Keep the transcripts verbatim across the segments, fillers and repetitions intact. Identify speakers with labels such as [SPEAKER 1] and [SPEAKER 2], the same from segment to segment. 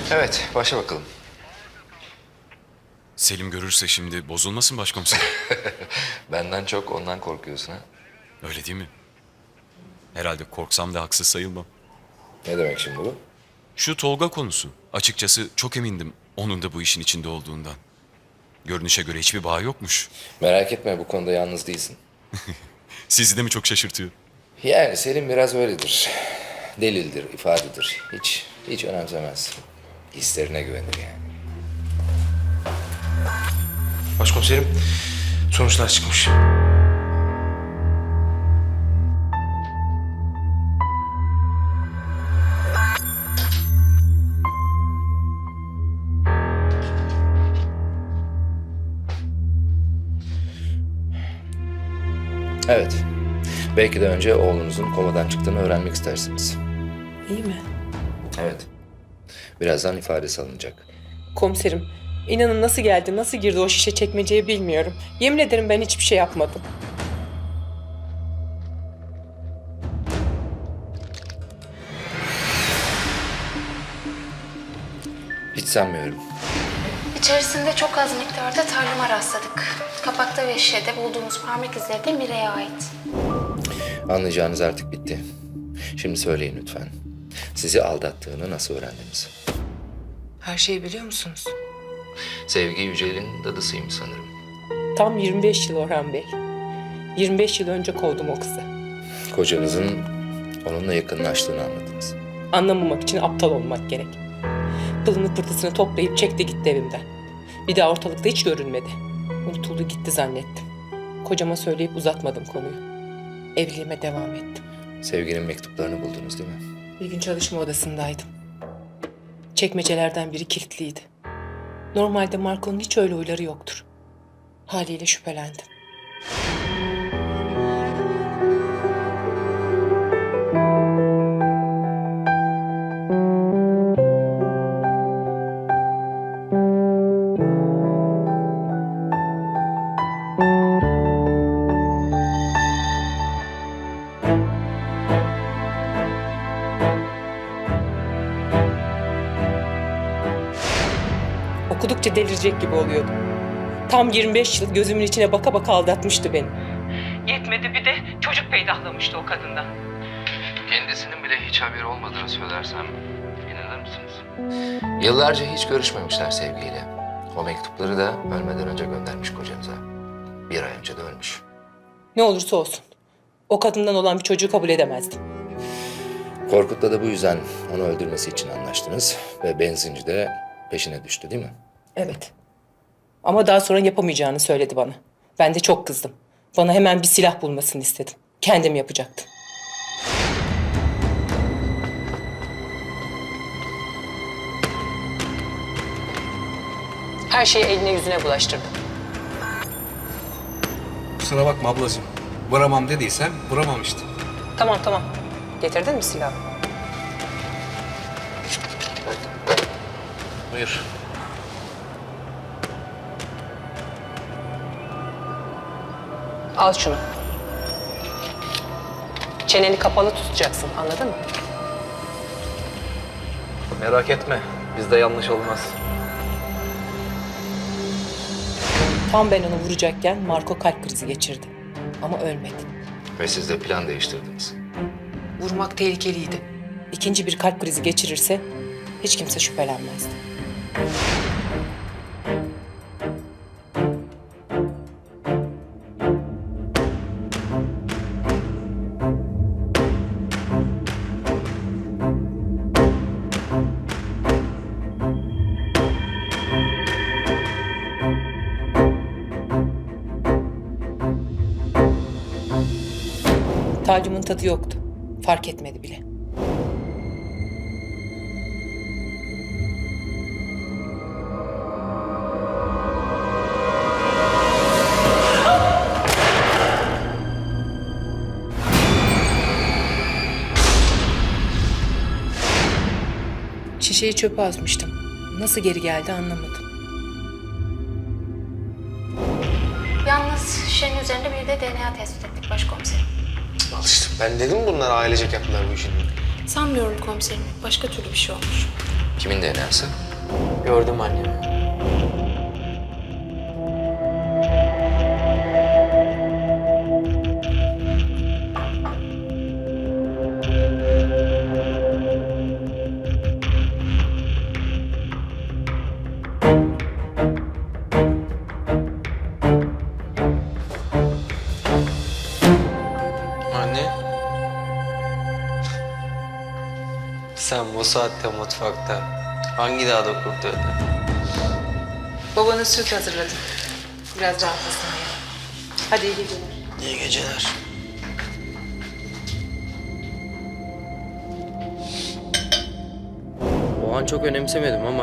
[SPEAKER 1] Evet, başla bakalım.
[SPEAKER 2] Selim görürse şimdi bozulmasın başkomiserim.
[SPEAKER 1] Benden çok ondan korkuyorsun ha?
[SPEAKER 2] Öyle değil mi? Herhalde korksam da haksız sayılmam.
[SPEAKER 1] Ne demek şimdi bu?
[SPEAKER 2] Şu Tolga konusu. Açıkçası çok emindim onun da bu işin içinde olduğundan. Görünüşe göre hiçbir bağ yokmuş.
[SPEAKER 1] Merak etme, bu konuda yalnız değilsin.
[SPEAKER 2] Sizi de mi çok şaşırtıyor?
[SPEAKER 1] Yani Selim biraz öyledir. Delildir, ifadedir. Hiç, hiç önemsemez. Hislerine güvenir yani.
[SPEAKER 3] Başkomiserim, sonuçlar çıkmış.
[SPEAKER 1] Evet. Belki de önce oğlunuzun komadan çıktığını öğrenmek istersiniz.
[SPEAKER 4] İyi mi?
[SPEAKER 1] Evet. Birazdan ifadesi alınacak.
[SPEAKER 4] Komiserim, inanın nasıl geldi, nasıl girdi o şişe çekmeceye bilmiyorum. Yemin ederim ben hiçbir şey yapmadım.
[SPEAKER 1] Hiç sanmıyorum.
[SPEAKER 5] İçerisinde çok az miktarda tarlama rastladık. Kapakta ve şişede bulduğumuz parmak izleri de Mire'ye ait.
[SPEAKER 1] Anlayacağınız artık bitti. Şimdi söyleyin lütfen. Sizi aldattığını nasıl öğrendiniz?
[SPEAKER 6] Her şeyi biliyor musunuz?
[SPEAKER 1] Sevgi Yücel'in dadısıyım sanırım.
[SPEAKER 4] Tam yirmi beş yıl Orhan Bey. yirmi beş yıl önce kovdum o kızı.
[SPEAKER 1] Kocanızın onunla yakınlaştığını anladınız.
[SPEAKER 4] Anlamamak için aptal olmak gerek. Pılını pırtısını toplayıp çekti gitti evimden. Bir daha ortalıkta hiç görünmedi. Unutuldu gitti zannettim. Kocama söyleyip uzatmadım konuyu. Evliliğime devam ettim.
[SPEAKER 1] Sevginin mektuplarını buldunuz değil mi?
[SPEAKER 4] Bir gün çalışma odasındaydım. Çekmecelerden biri kilitliydi. Normalde Marco'nun hiç öyle huyları yoktur. Haliyle şüphelendim. Okudukça delirecek gibi oluyordum. Tam yirmi beş yıl gözümün içine baka baka aldatmıştı beni. Yetmedi bir de çocuk peydahlamıştı o kadından.
[SPEAKER 1] Kendisinin bile hiç haberi olmadığını söylersem inanır mısınız? Yıllarca hiç görüşmemişler sevgiyle. O mektupları da ölmeden önce göndermiş kocanıza. Bir ay önce de ölmüş.
[SPEAKER 4] Ne olursa olsun. O kadından olan bir çocuğu kabul edemezdim.
[SPEAKER 1] Korkut'la da bu yüzden onu öldürmesi için anlaştınız ve benzinci de peşine düştü değil mi?
[SPEAKER 4] Evet. Ama daha sonra yapamayacağını söyledi bana. Ben de çok kızdım. Bana hemen bir silah bulmasını istedim. Kendim yapacaktım. Her şeyi eline yüzüne bulaştırdım.
[SPEAKER 3] Kusura bakma ablacığım. Vuramam dediysem vuramam işte.
[SPEAKER 4] Tamam tamam. Getirdin mi silahı?
[SPEAKER 1] Buyur.
[SPEAKER 4] Al şunu. Çeneni kapalı tutacaksın, anladın mı?
[SPEAKER 3] Merak etme. Bizde yanlış olmaz.
[SPEAKER 4] Tam ben onu vuracakken Marco kalp krizi geçirdi. Ama ölmedi.
[SPEAKER 1] Ve siz de plan değiştirdiniz.
[SPEAKER 6] Vurmak tehlikeliydi.
[SPEAKER 4] İkinci bir kalp krizi geçirirse hiç kimse şüphelenmezdi. Talyumun tadı yoktu. Fark etmedi bile. Şişeyi çöpe atmıştım. Nasıl geri geldi anlamadım.
[SPEAKER 5] Yalnız şişenin üzerinde bir de D N A tespit ettik başkomiserim.
[SPEAKER 3] Al işte. Ben dedim bunlar ailecek yaptılar bu işini.
[SPEAKER 5] Sanmıyorum komiserim. Başka türlü bir şey olmuş.
[SPEAKER 1] Kimin D N A'sı?
[SPEAKER 7] Gördüm annemi. Anne. Sen bu saatte mutfakta hangi dağda kurtardın?
[SPEAKER 6] Babana süt hazırladım. Biraz rahatlasın diye. Hadi iyi geceler.
[SPEAKER 7] İyi geceler.
[SPEAKER 8] O an çok önemsemedim ama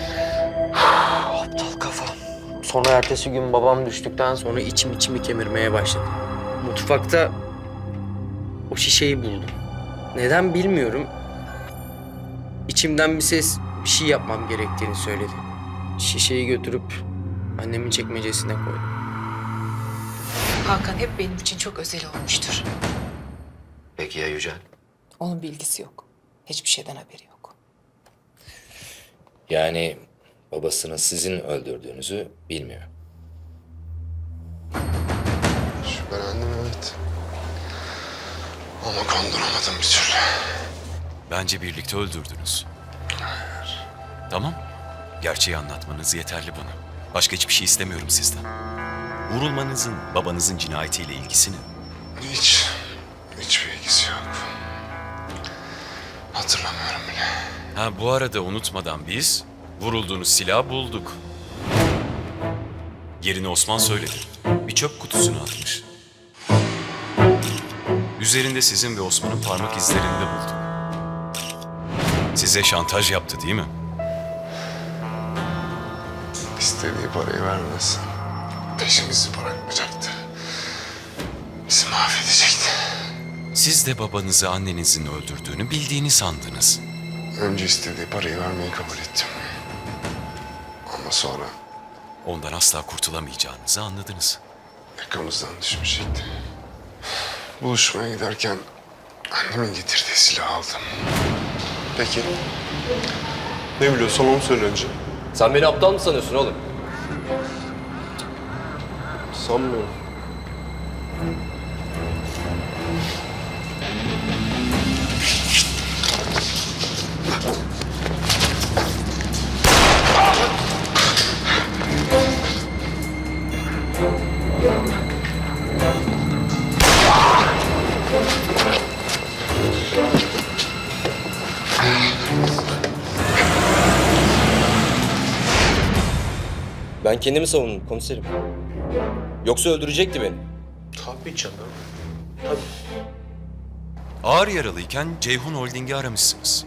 [SPEAKER 7] Aptal kafa. Sonra ertesi gün babam düştükten sonra
[SPEAKER 8] sonra içim içimi kemirmeye başladı. Mutfakta o şişeyi buldum. Neden bilmiyorum. İçimden bir ses bir şey yapmam gerektiğini söyledi. Şişeyi götürüp annemin çekmecesine koydum.
[SPEAKER 6] Hakan hep benim için çok özel olmuştur.
[SPEAKER 1] Peki ya Yücel?
[SPEAKER 4] Onun bilgisi yok. Hiçbir şeyden haberi yok.
[SPEAKER 1] Yani babasını sizin öldürdüğünüzü bilmiyor.
[SPEAKER 9] Şüphelendim evet. Ama kandıramadım bir türlü.
[SPEAKER 2] Bence birlikte öldürdünüz.
[SPEAKER 9] Hayır.
[SPEAKER 2] Tamam. Gerçeği anlatmanız yeterli bana. Başka hiçbir şey istemiyorum sizden. Vurulmanızın babanızın cinayetiyle ilgisi ne?
[SPEAKER 9] Hiç, hiçbir ilgisi yok. Hatırlamıyorum bile.
[SPEAKER 2] Ha bu arada unutmadan biz vurulduğunuz silahı bulduk. Yerini Osman söyledi. Bir çöp kutusuna atmış. Üzerinde sizin ve Osman'ın parmak izlerini de bulduk. Size şantaj yaptı değil mi?
[SPEAKER 9] İstediği parayı vermez. Peşimizi bırakmayacaktı. Bizi mahvedecekti.
[SPEAKER 2] Siz de babanızı annenizin öldürdüğünü bildiğini sandınız.
[SPEAKER 9] Önce istediği parayı vermeyi kabul ettim. Ama sonra
[SPEAKER 2] Ondan asla kurtulamayacağınızı anladınız.
[SPEAKER 9] yakamızdan düşmeyecekti. Buluşmaya giderken annemin getirdiği silahı aldım.
[SPEAKER 10] Peki. Ne biliyorsan onu söyle önce.
[SPEAKER 8] Sen beni aptal mı sanıyorsun oğlum?
[SPEAKER 10] Sanmıyorum.
[SPEAKER 8] Ben kendimi savundum komiserim. Yoksa öldürecekti beni.
[SPEAKER 10] Tabii canım.
[SPEAKER 2] Ağır yaralıyken Ceyhun Holding'i aramışsınız.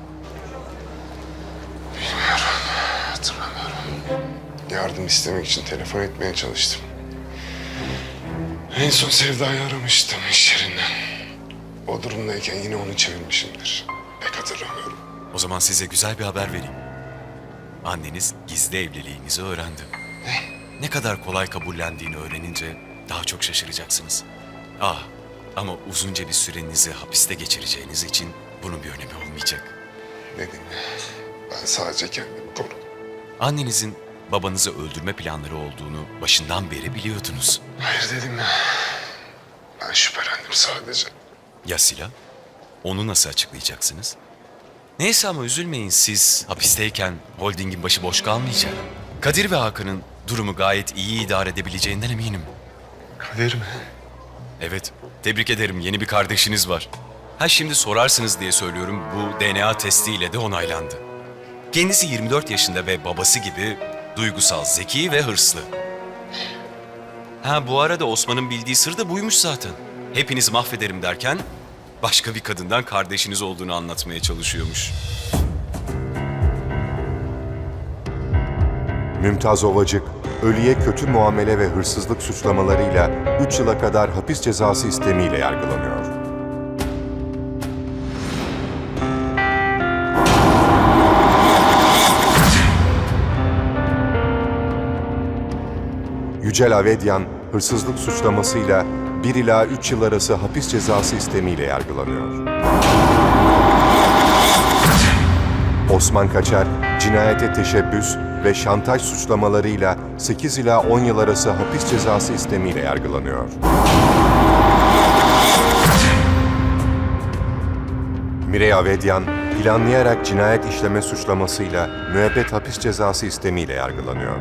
[SPEAKER 9] Hatırlamıyorum. Yardım istemek için telefon etmeye çalıştım. En son Sevda'yı aramıştım iş yerinden. O durumdayken yine onu çevirmişimdir. Pek hatırlamıyorum.
[SPEAKER 2] O zaman size güzel bir haber vereyim. Anneniz gizli evliliğinizi öğrendi. Ne? Ne kadar kolay kabullendiğini öğrenince daha çok şaşıracaksınız. Ah, ama uzunca bir sürenizi hapiste geçireceğiniz için bunun bir önemi olmayacak.
[SPEAKER 9] Dedim ya, ben sadece kendimi korudum.
[SPEAKER 2] Annenizin babanızı öldürme planları olduğunu başından beri biliyordunuz.
[SPEAKER 9] Hayır dedim ya. Ben şüphelendim sadece.
[SPEAKER 2] Ya silah? Onu nasıl açıklayacaksınız? Neyse ama üzülmeyin, siz hapisteyken holdingin başı boş kalmayacak. Kadir ve Hakan'ın durumu gayet iyi idare edebileceğinden eminim.
[SPEAKER 9] Kadir mi?
[SPEAKER 2] Evet, tebrik ederim, yeni bir kardeşiniz var. Ha şimdi sorarsınız diye söylüyorum, bu D N A testiyle de onaylandı. Kendisi yirmi dört yaşında ve babası gibi duygusal, zeki ve hırslı. Ha bu arada Osman'ın bildiği sır da buymuş zaten. Hepinizi mahvederim derken başka bir kadından kardeşiniz olduğunu anlatmaya çalışıyormuş.
[SPEAKER 11] Mümtaz Ovacık, ölüye kötü muamele ve hırsızlık suçlamalarıyla üç yıla kadar hapis cezası istemiyle yargılanıyor. Yücel Avedyan, hırsızlık suçlamasıyla bir ila üç yıl arası hapis cezası istemiyle yargılanıyor. Osman Kaçar, cinayete teşebbüs ve şantaj suçlamalarıyla sekiz ila on yıl arası hapis cezası istemiyle yargılanıyor. Mirey Avedyan, planlayarak cinayet işleme suçlamasıyla müebbet hapis cezası istemiyle yargılanıyor.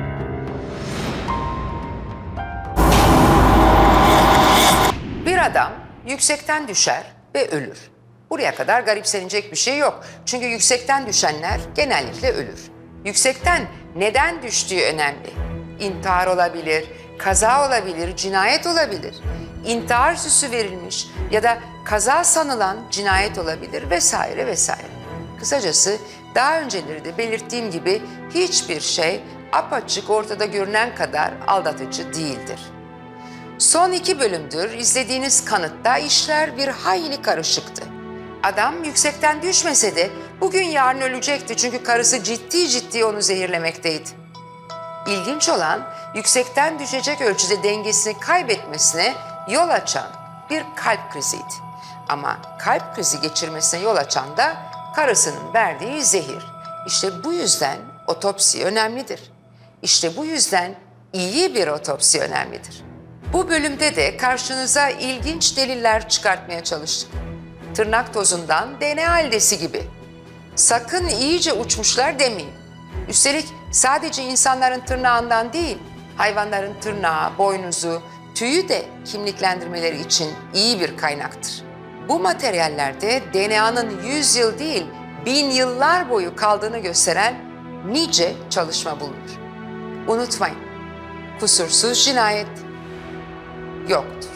[SPEAKER 12] Bir adam yüksekten düşer ve ölür. Buraya kadar garipsenecek bir şey yok. Çünkü yüksekten düşenler genellikle ölür. Yüksekten neden düştüğü önemli. İntihar olabilir, kaza olabilir, cinayet olabilir. İntihar süsü verilmiş ya da kaza sanılan cinayet olabilir vesaire vesaire. Kısacası daha önceleri de belirttiğim gibi hiçbir şey apaçık ortada görünen kadar aldatıcı değildir. Son iki bölümdür izlediğiniz kanıtta işler bir hayli karışıktı. Adam yüksekten düşmese de bugün yarın ölecekti çünkü karısı ciddi ciddi onu zehirlemekteydi. İlginç olan yüksekten düşecek ölçüde dengesini kaybetmesine yol açan bir kalp kriziydi. Ama kalp krizi geçirmesine yol açan da karısının verdiği zehir. İşte bu yüzden otopsi önemlidir. İşte bu yüzden iyi bir otopsi önemlidir. Bu bölümde de karşınıza ilginç deliller çıkartmaya çalıştık. Tırnak tozundan D N A aldesi gibi. Sakın iyice uçmuşlar demeyin. Üstelik sadece insanların tırnağından değil, hayvanların tırnağı, boynuzu, tüyü de kimliklendirmeleri için iyi bir kaynaktır. Bu materyallerde D N A'nın yüz yıl değil, bin yıllar boyu kaldığını gösteren nice çalışma bulunur. Unutmayın, kusursuz cinayet yoktur.